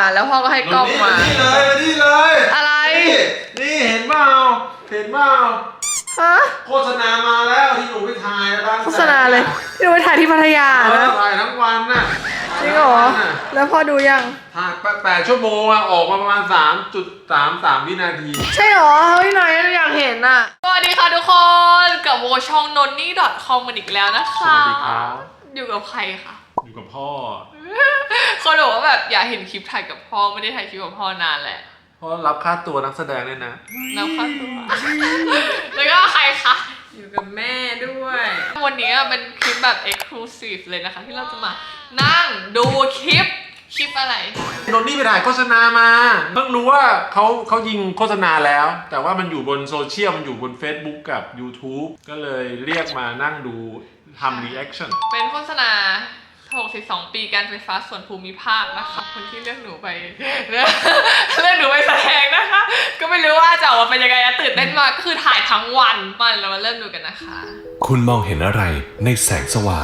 แล้วพ่อก็ให้กล้องมานี่เลยอะไรนี่เห็นเปล่าฮะโฆษณามาแล้วที่หนูไปถ่ายบ้างโฆษณาเลยที่เราไปถ่ายที่พัทยานะถ่ายทั้งวันน่ะจริงเหรอแล้วพ่อดูยังถ่าย8 ชั่วโมงออกมาประมาณ 3.33 วินาทีใช่เหรอเฮ้ยนายอยากเห็นอ่ะสวัสดีค่ะทุกคนกับโวช่อง nonni.com กันอีกแล้วนะคะสวัสดีครับอยู่กับใครคะอยู่กับพ่อคนบอกว่าแบบอยากเห็นคลิปถ่ายกับพ่อไม่ได้ถ่ายคลิปกับพ่อนานแหละเพราะรับค่าตัวนักแสดงเลยนะรับค่าตัวแล้วก็ใครคะอยู่กับแม่ด้วยวันนี้เป็นคลิปแบบ exclusive เลยนะคะที่เราจะมานั่งดูคลิปอะไรนนนี่ไปถ่ายโฆษณามาเพิ่งรู้ว่าเขายิงโฆษณาแล้วแต่ว่ามันอยู่บนโซเชียลมันอยู่บน Facebook กับ YouTube ก็เลยเรียกมานั่งดูทำ reaction เป็นโฆษณา62 ปีการไฟฟ้าส่วนภูมิภาคนะคะคนที่เลือกหนูไปเลือกหนูไปแสดงนะคะก็ไม่รู้ว่าจะออกมาเป็นยังไงตื่นเต้นมากก็คือถ่ายทั้งวันเรามาเริ่มดูกันนะคะคุณมองเห็นอะไรในแสงสว่าง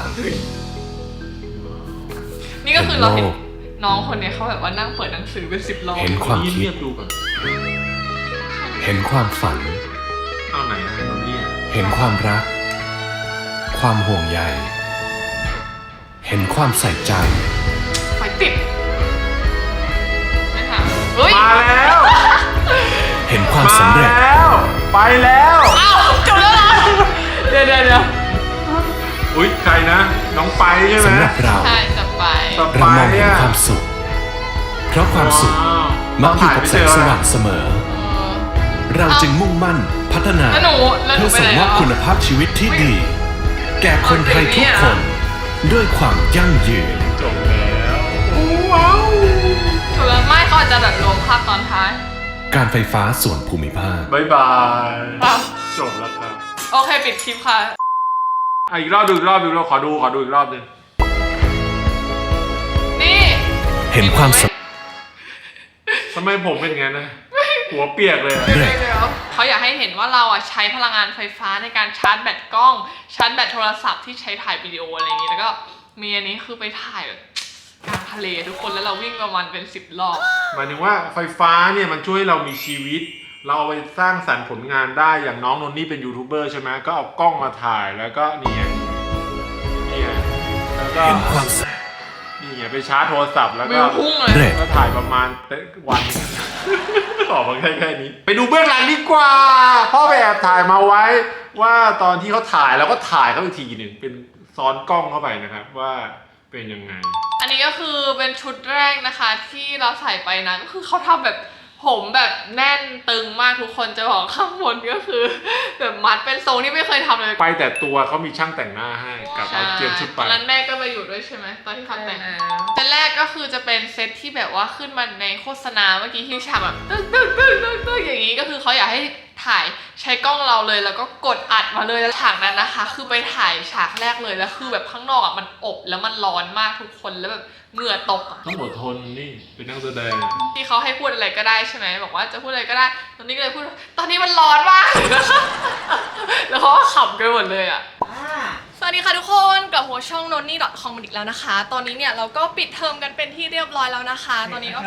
นี่ก็คือเราเห็นน้องคนนี้เขาแบบว่านั่งเปิดหนังสือเป็น10 รอบเห็นความคิดเห็นความฝันเอาไหนเนี่ยเห็นความรักความห่วงใยเห็นความใส่ใจไฟติดไม่ถามเฮ้ยมาแล้วเห็นความสำเร็จไปแล้วอ้าวจบแล้วเหรอเดี๋ยวอุ๊ยใครนะน้องไปใช่ไหมสำหรับเราใช่จะไปเรามองเห็นความสุขเพราะความสุขมักอยู่กับแสงสว่างเสมอเราจึงมุ่งมั่นพัฒนาเพื่อส่งมอบคุณภาพชีวิตที่ดีแก่คนไทยทุกคนด้วยความยั่งยืนจบแล้วว้าวจบแล้วไม่เขาอาจจะแบบรวมภาพตอนท้ายการไฟฟ้าส่วนภูมิภาคบ๊ายบายจบแล้วครับโอเคปิดคลิปค่ะอีกรอบดูอีกรอบขอดูอีกรอบนึงนี่เห็นความทำไมผมเป็นงั้นนะหัวเปียกเลยเขาอยากให้เห็นว่าเราใช้พลังงานไฟฟ้าในการชาร์จแบตกล้องชาร์จแบตโทรศัพท์ที่ใช้ถ่ายวิดีโออะไรอย่างนี้แล้วก็มีอันนี้คือไปถ่ายแบบกลางทะเลทุกคนแล้วเราวิ่งประมาณเป็น10 รอบหมายถึงว่าไฟฟ้าเนี่ยมันช่วยเรามีชีวิตเราเอาไปสร้างสรรค์ผลงานได้อย่างน้องนนนี่เป็นยูทูบเบอร์ใช่ไหมก็เอากล้องมาถ่ายแล้วก็เนี่ยแล้วก็นี่ไปชาร์จโทรศัพท์แล้วก็ถ่ายประมาณวันตอบมาแค่นี้ไปดูเบื้องหลังดีกว่าพ่อไปแอบถ่ายมาไว้ว่าตอนที่เขาถ่ายแล้วก็ถ่ายเขาอีกทีหนึ่งเป็นซ้อนกล้องเข้าไปนะครับว่าเป็นยังไงอันนี้ก็คือเป็นชุดแรกนะคะที่เราใส่ไปนะก็คือเขาทำแบบผมแบบแน่นตึงมากทุกคนจะบอกข้างบนก็คือแบบมัดเป็นทรงที่ไม่เคยทำเลยไปแต่ตัวเขามีช่างแต่งหน้าให้กับเอาเตรียมชุดไปตอนนั้นแม่ก็ไปอยู่ด้วยใช่ไหมตอนที่เขาแต่งเซตแรกก็คือจะเป็นเซตที่แบบว่าขึ้นมาในโฆษณาเมื่อกี้ที่ฉากแบบตึ๊กอย่างนี้ก็คือเขาอยากให้ถ่ายใช้กล้องเราเลยแล้วก็กดอัดมาเลยแล้วฉากนั้นนะคะคือไปถ่ายฉากแรกเลยแล้วคือแบบข้างนอกมันอบแล้วมันร้อนมากทุกคนแล้วแบบเหงื่อตกต้องอดทนนี่เป็นนักแสดงที่เขาให้พูดอะไรก็ได้ใช่ไหมบอกว่าจะพูดอะไรก็ได้ตอนนี้ก็เลยพูดตอนนี้มันร้อนมากแล้วเขาก็ขำกันหมดเลยสวัสดีค่ะทุกคนกับหัวช่อง nonni.com อีกแล้วนะคะตอนนี้เนี่ยเราก็ปิดเทอมกันเป็นที่เรียบร้อยแล้วนะคะตอนนี้ก็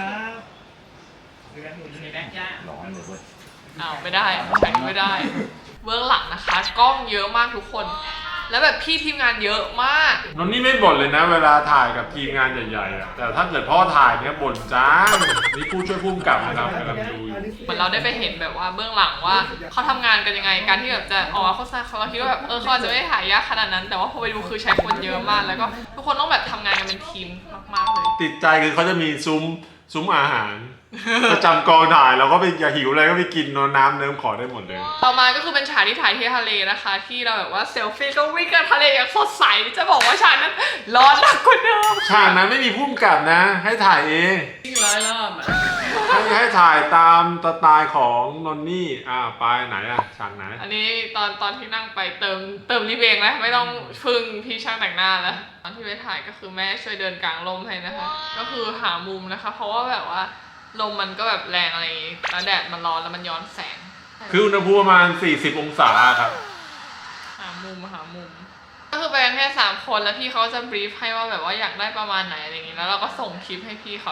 ไม่ได้ใช้ไม่ได้เบื้องหลังนะคะกล้องเยอะมากทุกคนแล้วแบบพี่ทีมงานเยอะมากนนนี่ไม่บ่นเลยนะเวลาถ่ายกับทีมงานใหญ่ๆแต่ถ้าเกิดพ่อถ่ายเนี่ยบ่นจ้านี่ผู้ช่วยผู้กำกับนะครับกำลังดูอยู่เหมือนเราได้ไปเห็นแบบว่าเบื้องหลังว่าเขาทำงานกันยังไงการที่แบบจะออกมาโฆษณาเขาคิดว่าแบบเขาจะไม่ถ่ายยากขนาดนั้นแต่ว่าพอไปดูคือใช้คนเยอะมากแล้วก็ทุกคนต้องแบบทำงานกันเป็นทีมมากๆเลยติดใจคือเขาจะมีซุ้มอาหารประจำกองถ่ายเราก็ไปอย่าหิวอะไรก็ไปกินน้ำเนิ้มขอได้หมดเลยต่อมาก็คือเป็นฉากที่ถ่ายที่ทะเลนะคะที่เราแบบว่าเซลฟี่ก็วิ่งกันทะเลอย่างสดใสจะบอกว่าฉากนั้นร้อนหนักกว่าเดิมฉากนั้นไม่มีผู้กำกับนะให้ถ่ายเองวิ่งร้อยรอบให้ถ่ายตามสไตล์ของนนนี่ไปไหนฉากไหนอันนี้ตอนที่นั่งไปเติมรีบเองนะไม่ต้องพึ่งพี่ช่างแต่งหน้าแล้วตอนที่ไปถ่ายก็คือแม่ช่วยเดินกลางลมให้นะคะก็คือหามุมนะคะเพราะว่าแบบว่าลมมันก็แบบแรงอะไรแล้วแดดมันร้อนแล้วมันย้อนแสงคืออุณหภูมิประมาณ40 องศาครับหามุมก็คือไปกันแค่3 คนแล้วพี่เขาจะบรีฟให้ว่าแบบว่าอยากได้ประมาณไหนอะไรอย่างงี้แล้วเราก็ส่งคลิปให้พี่เขาเลย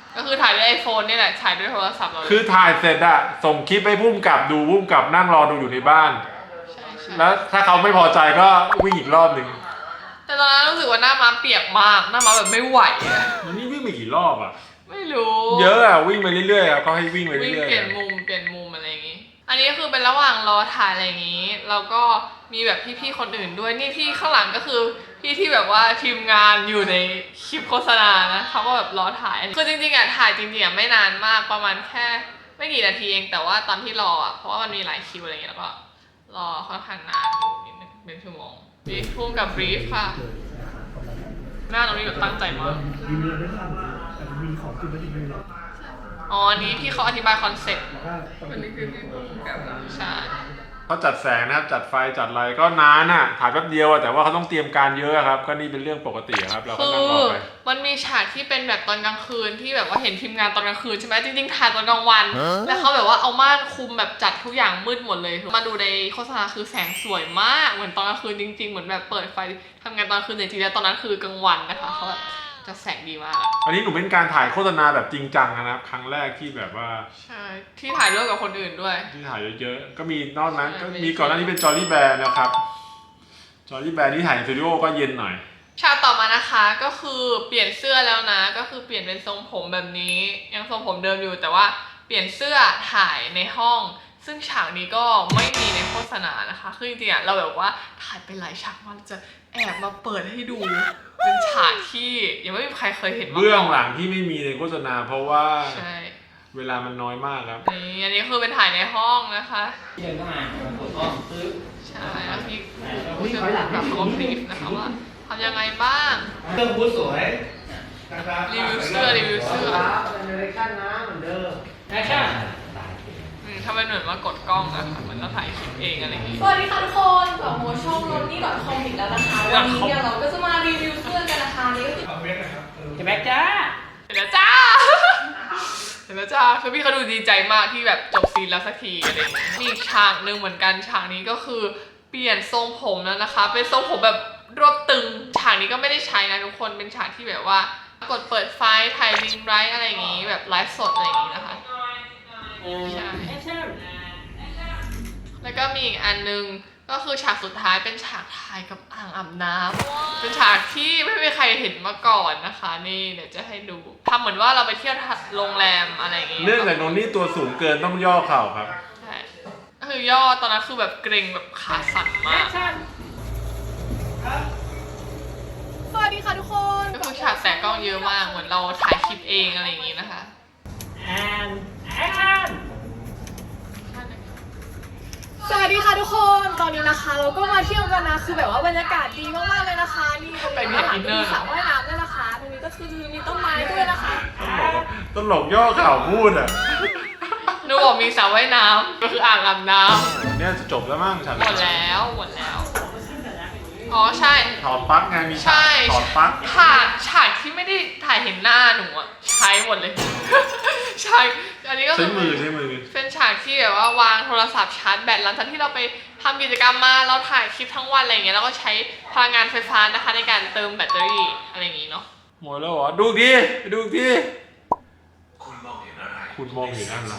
ก็คือถ่ายด้วยไอโฟนนี่แหละถ่ายด้วยโทรศัพท์เราคือถ่ายเสร็จอะส่งคลิปให้พุ่มกับดูพุ่มกับนั่งรอดูอยู่ในบ้านใช่แล้วถ้าเขาไม่พอใจก็วิ่งอีกรอบหนึ่งแต่ตอนนั้นรู้สึกว่าหน้าม้าเปียกมากหน้าม้าแบบไม่ไหวอะวันนี้วิ่งไปกี่รอบอะไม่รู้เยอะอะวิ่งไปเรื่อยๆอะก็ให้วิ่งไปวิ่งเรื่อยเปลี่ยนมุมอะไรอย่างงี้ อันนี้คือเป็นระหว่างรอถ่ายอะไรอย่างงี้แล้วก็มีแบบพี่ๆคนอื่นด้วยนี่พี่ข้างหลังก็คือพี่ที่แบบว่าทีมงานอยู่ในคลิปโฆษณานะเขาก็แบบรอถ่ายคือจริงๆอะถ่ายจริงๆอะไม่นานมากประมาณแค่ไม่กี่นาทีเองแต่ว่าตอนที่รออะเพราะว่ามันมีหลายคิวอะไรอย่างเงี้ยแล้วก็รอค่อนข้างนานอยู่นิดนึงเป็นชั่วโมงบีฟพุ่งกับบรีฟค่ะหน้าตรงนี้แบบตั้งใจมากรีวิวไม่ทันแต่มีของจริงไม่จริงเลยหรอกอ๋ออันนี้พี่เขาอธิบายคอนเซ็ปต์แล้วก็อันนี้คือพี่พุ่งกับใช่ๆเขาจัดแสงนะครับจัดไฟจัดอะไรก็นานอะถ่ายแป๊บเดียวอะแต่ว่าเขาต้องเตรียมการเยอะครับก็นี่เป็นเรื่องปกติครับเราก็คืนั่งรออไปมันมีฉากที่เป็นแบบตอนกลางคืนที่แบบว่าเห็นทีมงานตอนกลางคืนใช่ไหมจริงๆถ่ายตอนกลางวัน แล้วเขาแบบว่าเอาม่านคุมแบบจัดทุกอย่างมืดหมดเลยมาดูในโฆษณาคือแสงสวยมากเหมือนตอนกลางคืนจริงๆเหมือนแบบเปิดไฟทำงานตอนกลางคืนแต่จริงๆแล้วตอนนั้นคือกลางวันนะคะเขาแบบจะแสงดีมากอะอันนี้หนูเป็นการถ่ายโฆษณาแบบจริงจังนะครับครั้งแรกที่แบบว่าใช่ที่ถ่ายร่วมกับคนอื่นด้วยที่ถ่ายเยอะๆก็มีนอกนั้นใช่ก็มีก่อนหน้านี้เป็นจอร์ลี่แบร์นะครับจอร์ลี่แบร์ที่ถ่ายในสตูดิโอก็เย็นหน่อยฉากต่อมานะคะก็คือเปลี่ยนเสื้อแล้วนะก็คือเปลี่ยนเป็นทรงผมแบบนี้ยังทรงผมเดิมอยู่แต่ว่าเปลี่ยนเสื้อถ่ายในห้อง ซึ่งฉากนี้ก็ไม่มีในโฆษณานะคะคือจริงๆอะเราแบบว่าถ่ายไปหลายฉากมากเราจะแอบมาเปิดให้ดูเป็นฉากที่ยังไม่มีใครเคยเห็นมาก่นเบื้องหลังที่ไม่มีในโฆษณาเพราะว่าใช่เวลามันน้อยมากครับนี่อันนี้คือเป็นถ่ายในห้องนะคะเดินเข้ามาปวดท้องปึ๊บใช่แล้วพี่ผู้เชี่ยวชาญแบบเขาบรีฟนะคะว่าทำยังไงบ้างเครื่องบูธสวยนะครับรีวิวเสื้อรีวิวเสื้อเป็นเรชั่นนะเหมือนเดิมแอคชั่นถ้าเป็นเหมือนว่ากดกล้องนะคะเหมือนเราถ่ายคลิปเองอะไรอย่างงี้สวัสดีค่ะทุกคนกลับมาช่องนนนี่.com อีกแล้วนะคะ วันนี้เนี่ยเราก็จะมารีวิวเสื้อกันนะคะนี่ก็คือจะแบ็คจ้าเห็นแล้วจ้า เห็นแล้วจ้าคือพี่เขาดูดีใจมากที่แบบจบซีนแล้วสักทีอะไรอย่างเงี้ยมีอีกฉากหนึ่งเหมือนกันฉากนี้ก็คือเปลี่ยนทรงผมแล้วนะคะ เป็นทรงผมแบบรวบตึงฉากนี้ก็ไม่ได้ใช้นะทุกคนเป็นฉากที่แบบว่ากดเปิดไฟถ่ายลิงไรท์อะไรอย่างงี้แบบไลฟ์สดอะไรอย่างงี้นะคะใช่แอคชั่นแล้วก็มีอีกอันนึงก็คือฉากสุดท้ายเป็นฉากถ่ายกับอ่างอาบน้ำเป็นฉากที่ไม่มีใครเห็นมาก่อนนะคะนี่เดี๋ยวจะให้ดูทำเหมือนว่าเราไปเที่ยวโรงแรมอะไรอย่างงี้เนื่องจากโนนนี่ตัวสูงเกินต้องย่อเข่าครับใช่ก็คือย่อตอนนั้นคือแบบเกรงแบบขาสั่นแอมากคชั่นสวัสดีค่ะทุกคนก็คือฉากแตะกล้องเยอะมากเหมือนเราถ่ายคลิปเองอะไรอย่างงี้นะคะแอนแอคชั่นสวัสดีค่ะทุกคนตอนนี้นะคะเราก็มาเที่ยวกันนะคือแบบว่าบรรยากาศดีมากๆเลยนะคะนี่ตรงนี้อาหารก็มีสระว่ายน้ำด้วยนะคะตรงนี้ก็คือมีต้นไม้ด้วยนะคะต้นหลกย่อเข่าพูดอ่ะหนูบอกมีสระว่ายน้ำก็คืออ่างอาบน้ำเนี่ยจะจบแล้วมั้งฉันหมดแล้วอ๋อใช่ถอดปลั๊กไงมีใช่ถอดปลั๊กฉากที่ไม่ได้ถ่ายเห็นหน้าหนูอะใช้หมดเลย ใช่ อันนี้ก็ใช้คือมือใช้มือเป็นฉากที่แบบว่าวางโทรศัพท์ชาร์จแบตหลังจากที่เราไปทำกิจกรรมมาเราถ่ายคลิปทั้งวันอะไรอย่างเงี้ยแล้วก็ใช้พลังงานไฟฟ้านะคะในการเติมแบตเตอรี่อะไรอย่างงี้เนาะหมดแล้วเหรอดูอีกทีดูอีกทีคุณมองเห็นอะไรคุณมองเห็นอะไร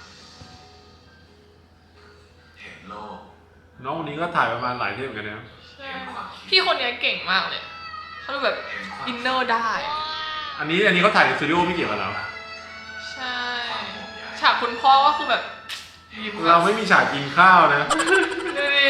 เห็นโลกน้องคนนี้ก็ถ่ายประมาณหลายเทปเหมือนกันนะพี่คนนี้เก่งมากเลยเขาดูแบบอินเนอร์ได้อะอันนี้เขาถ่ายในสตูดิโอไม่เกี่ยวกับเราใช่ฉากคุณพ่อก็คือแบบยิ้มเราไม่มีฉากกินข้าวนะดูดิ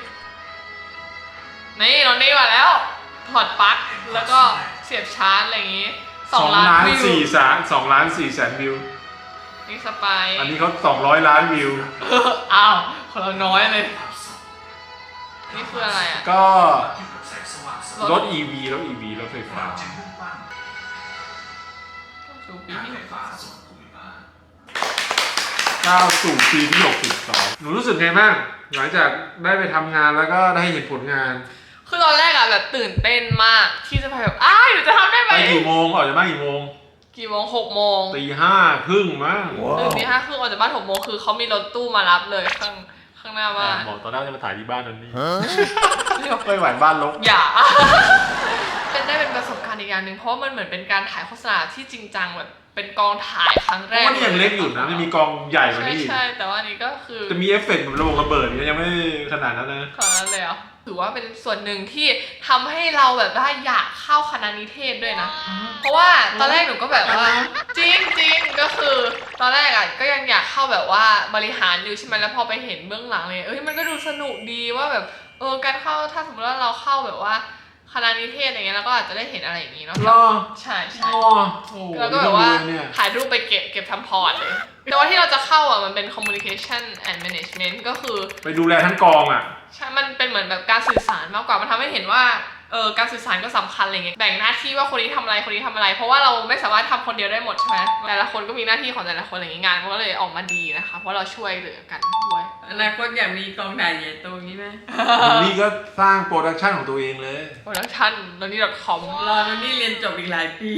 นี่นอนนี่มาแล้วถอดปลั๊กแล้วก็เสียบชาร์จอะไรอย่างงี้2 ล้านวิว 2 ล้าน 4 แสนวิวนี่สปายอันนี้เขา200 ล้านวิวอ้าวของเราน้อยเลย นี่คืออะไรอ่ะก็แสงสว่างสรถ EV รถไฟฟ้าจึงมุ่งมั่นดูปีการที่ไฟฟ้าส่วนภูมิภาคก้าวสู่ปีที่ 62 หนูรู้สึกไงบ้างหลังจากได้ไปทำงานแล้วก็ได้เห็นผลงานคือตอนแรกอะแบบตื่นเต้นมากที่จะไปแบบหนูจะทำได้ไหมไปกี่โมงออกจากบ้านกี่โมงกี่โมง6 โมงตี 5:30มั้งตื่นตี 5 ครึ่งออกจากบ้าน6 โมงคือเขามีรถตู้มารับเลยข้างหน้าบ้านบอกตอนแรกจะมาถ่ายที่บ้านนั่นนี่ไม่ไหวบ้านรกอย่า เป็นประสบการณ์อีกอย่างหนึ่งเพราะว่ามันเหมือนเป็นการถ่ายโฆษณาที่จริงจังแบบเป็นกองถ่ายครั้งเพแรราะกว่านี่ยังเล็กอยู่นะมันมีกองใหญ่กว่าใช่นี้อีกใช่แต่ว่าอันนี้ก็คือจะมีเอฟเฟกต์เหมือนระเบิดเนี่ยยังไม่ขนาดนั้นนะขนาดนั้นเลยเหรอถือว่าเป็นส่วนหนึ่งที่ทำให้เราแบบว่าอยากเข้าคณะนิเทศด้วยนะ เพราะว่าตอนแรกหนูก็แบบว่าจริงจริงก็คือตอนแรกอ่ะก็ยังอยากเข้าแบบว่าบริหารอยู่ใช่ไหมแล้วพอไปเห็นเบื้องหลังเลยมันก็ดูสนุกดีว่าแบบการเข้าถ้าสมมติว่าเราเข้าแบบว่าคณะนิเทศอะไรเงี้ยเราก็อาจจะได้เห็นอะไรอย่างงี้เนาะรอใช่ใช่โอ้โหแล้วก็แบบว่าเนี่ยถ่ายรูปไปเก็บทำพอร์ตเลยแต่ว่าที่เราจะเข้าอ่ะมันเป็น communication and management ก็คือไปดูแลทั้งกองอ่ะใช่ มันเป็นเหมือนแบบการสื่อสารมากกว่า มันทำให้เห็นว่า การสื่อสารก็สำคัญอะไรเงี้ย แบ่งหน้าที่ว่าคนนี้ทำอะไร คนนี้ทำอะไร เพราะว่าเราไม่สามารถทำคนเดียวได้หมดใช่ไหมแต่ละคนก็มีหน้าที่ของแต่ละคนอะไรอย่างงี้งานมันก็เลยออกมาดีนะคะ เพราะเราช่วยเหลือกันด้วยอนาคตอยากมีกองถ่ายใหญ่โตอย่างนี้ไหมนี่ก็สร้างโปรดักชันของตัวเองเลย production noni.com รอนี่เรียนจบอีกหลายปี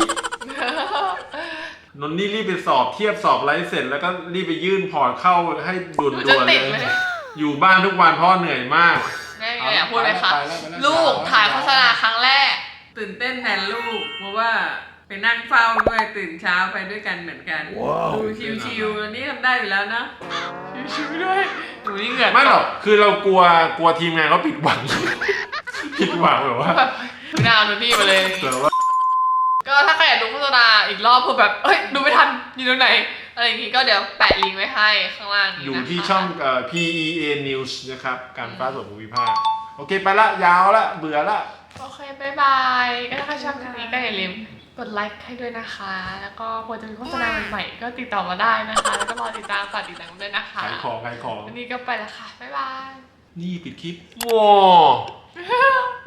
นนนี่รีบไปสอบเทียบสอบไลฟ์เสร็จแล้วก็รีบไปยื่นพอร์ตเข้าให้ด่วนหนูๆจะเลติยดไหมเนี่ยอยู่บ้านทุกวันเพราะเหนื่อยมากแม่อยากพูดเลยค่ะไปแล้วลูกถ่ายโฆษณาครั้งแรกตื่นเต้นแทนลูก เพราะว่าไปนั่งเฝ้าด้วยตื่นเช้าไปด้วยกันเหมือนกัน ดูชิวๆอันนี้ทำได้อยู่แล้วนะชิวๆด้วยหนูนี่เหงื่อไม่หรอกคือเรากลัวทีมงานเขาผิดหวัง ผิดหวังแบบว่าแบบไม่น่าเอาโนนี่มาเลยแบบว่าก็ถ้าใครอยากดูโฆษณาอีกรอบเพื่อแบบดูไม่ทันอยู่ตรงไหนอะไรอย่างงี้ก็เดี๋ยวแปะลิงก์ไว้ให้ข้างล่างนี้นะคะอยู่ที่ช่องPEA News นะครับ การฟ้าส่วนภูมิภาค โอเค ไปละ ยาวละ เบื่อละโอเคบายบายก็ถ้าใครชอบคลิปนี้ก็อย่าลืมกดไลค์ให้ด้วยนะคะ แล้วก็ควรจะมีโฆษณาใหม่ๆก็ติดต่อมาได้นะคะ แล้วก็รอติดตามฝากติดตามด้วยนะคะขายของวันนี้ก็ไปแล้วค่ะบ๊ายบายนี่ปิดคลิปว้า